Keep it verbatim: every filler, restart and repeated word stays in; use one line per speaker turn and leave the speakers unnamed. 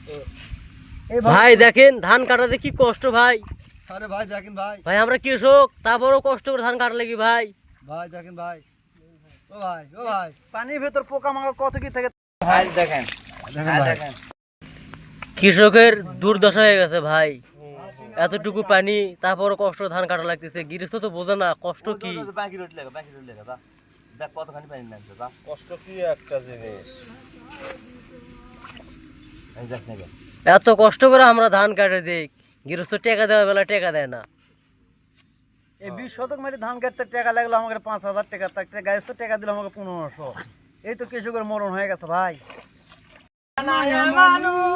ভাই দেখেন ধান কাটাতে কি কষ্ট ভাই।
আরে ভাই দেখেন ভাই
ভাই আমরা কৃষক, তারপরও কষ্ট করে ধান কাটা লাগি ভাই।
ভাই দেখেন ভাই, ও ভাই ও ভাই
পানির ভেতর পোকা মাকড় কত কি থাকে
ভাই দেখেন
দেখেন ভাই
কৃষকের দুর্দশা হয়ে গেছে ভাই, এতটুকু পানি তারপরও কষ্ট ধান কাটা লাগতেছে। গৃহস্থ তো বোঝে না কষ্ট কি।
বাকি রোড লেখা বাকি রোড লেখা দেখ কতখানি পানি নামছে বা
কষ্ট কি একটা জিনিস।
এই দেখ না
এত কষ্ট করে আমরা ধান কাটে দিই, গৃহস্থ টাকা দেওয়া বেলা টাকা দেয় না।
এই বিশ শতক মাটি ধান কাটতে টাকা লাগলো আমাকে পাঁচ হাজার টাকা, তার গাছ তো টাকা দিল আমাকে পনেরোশো। এই তো কৃষকের মরণ হয়ে গেছে ভাই।